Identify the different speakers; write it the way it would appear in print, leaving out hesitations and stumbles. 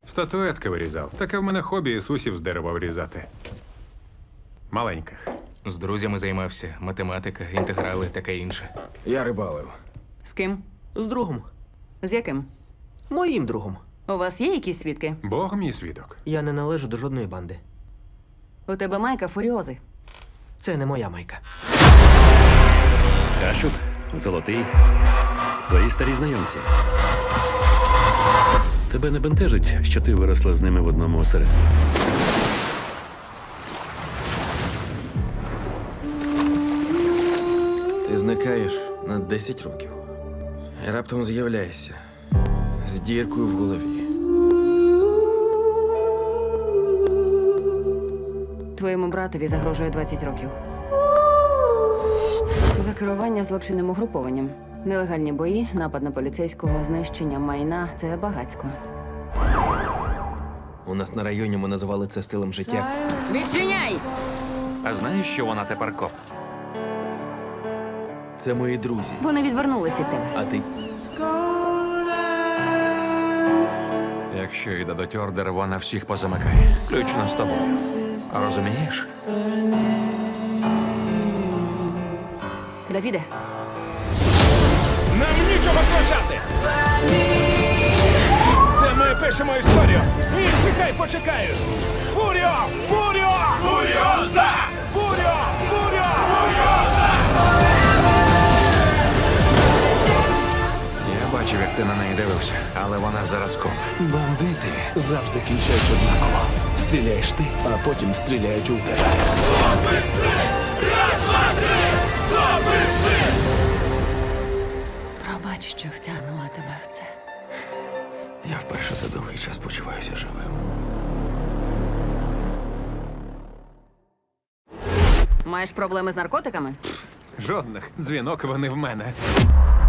Speaker 1: Статуетки вирізав. Таке в мене хобі Ісусів з дерева вирізати. Маленьких.
Speaker 2: З друзями займався, математика, інтеграли, таке інше.
Speaker 3: Я рибалив.
Speaker 4: З ким?
Speaker 5: З другом.
Speaker 4: З яким?
Speaker 5: Моїм другом.
Speaker 4: У вас є якісь свідки?
Speaker 1: Бог мій свідок.
Speaker 5: Я не належу до жодної банди.
Speaker 4: У тебе майка фуріози.
Speaker 5: Це не моя майка.
Speaker 6: Кашук, Золотий, твої старі знайомці. Тебе не бентежить, що ти виросла з ними в одному осередку?
Speaker 3: Ти зникаєш на 10 років. І раптом з'являєшся з діркою в голові.
Speaker 4: Твоєму братові загрожує 20 років. За керування злочинним угрупованням. Нелегальні бої, напад на поліцейського, знищення майна – це багацько.
Speaker 3: У нас на районі ми називали це стилем життя.
Speaker 4: Відчиняй!
Speaker 7: А знаєш, що вона тепер коп?
Speaker 3: Це мої друзі.
Speaker 4: Вони відвернулись від тебе.
Speaker 3: А ти?
Speaker 7: Якщо і дадуть ордер, вона всіх позамикає. Включно з тобою. Розумієш?
Speaker 4: Давіде,
Speaker 8: Нам нічого втрачати! Це ми пишемо історію! І чекай, почекаю! Фуріо! Фуріо! Фуріоза! Фуріо! Фуріо! Фуріоза!
Speaker 7: Я бачив, як ти на неї дивився, але вона зараз коп.
Speaker 8: Бандити завжди кінчають однаково. Стріляєш ти, а потім стріляють у тебе.
Speaker 4: пробач, що втягнула тебе в це.
Speaker 3: Я вперше за довгий час почуваюся живим.
Speaker 4: Маєш проблеми з наркотиками?
Speaker 1: Жодних. Дзвінок вони в мене.